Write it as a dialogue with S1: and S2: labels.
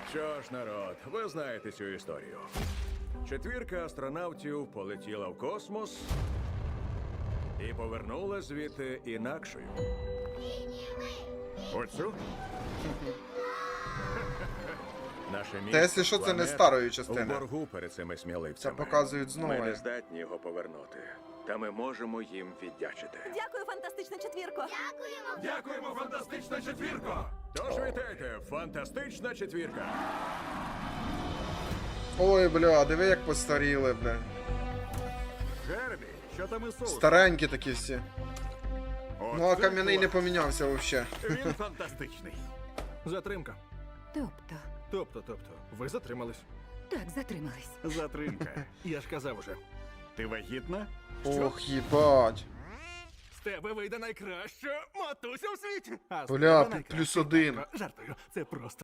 S1: Що ж, народ, ви знаєте цю історію. Четвірка астронавтів полетіла в космос і повернула звідти інакшою. Оцю? Наше
S2: Та
S1: місце,
S2: якщо що, це не
S1: планета,
S2: старої
S1: в
S2: частини.
S1: боргу перед цими
S2: Це
S1: сміливцями.
S2: показують знову.
S1: Ми не здатні його повернути. Та ми можемо їм віддячити.
S3: Дякую, фантастична четвірко.
S1: Дякуємо, фантастична четвірко! Тож вітайте, фантастична четвірка!
S2: Ой, бля, диви як постаріли, бля.
S1: Гербі, що там із соусом?
S2: Старенькі такі всі. Ну а
S1: Оце
S2: кам'яний не
S1: клас.
S2: помінявся вообще.
S1: Він фантастичний.
S4: Затримка.
S3: Тобто,
S4: Ви затримались.
S3: так, затримались.
S4: Затримка. Я ж казав уже.
S1: Ти вагітна?
S2: Ох, їбать.
S4: З тебе вийде найкраща матуся у світі. А з
S2: Бля,
S4: тебе найкраща
S2: +1.
S4: татко. Жартую, це просто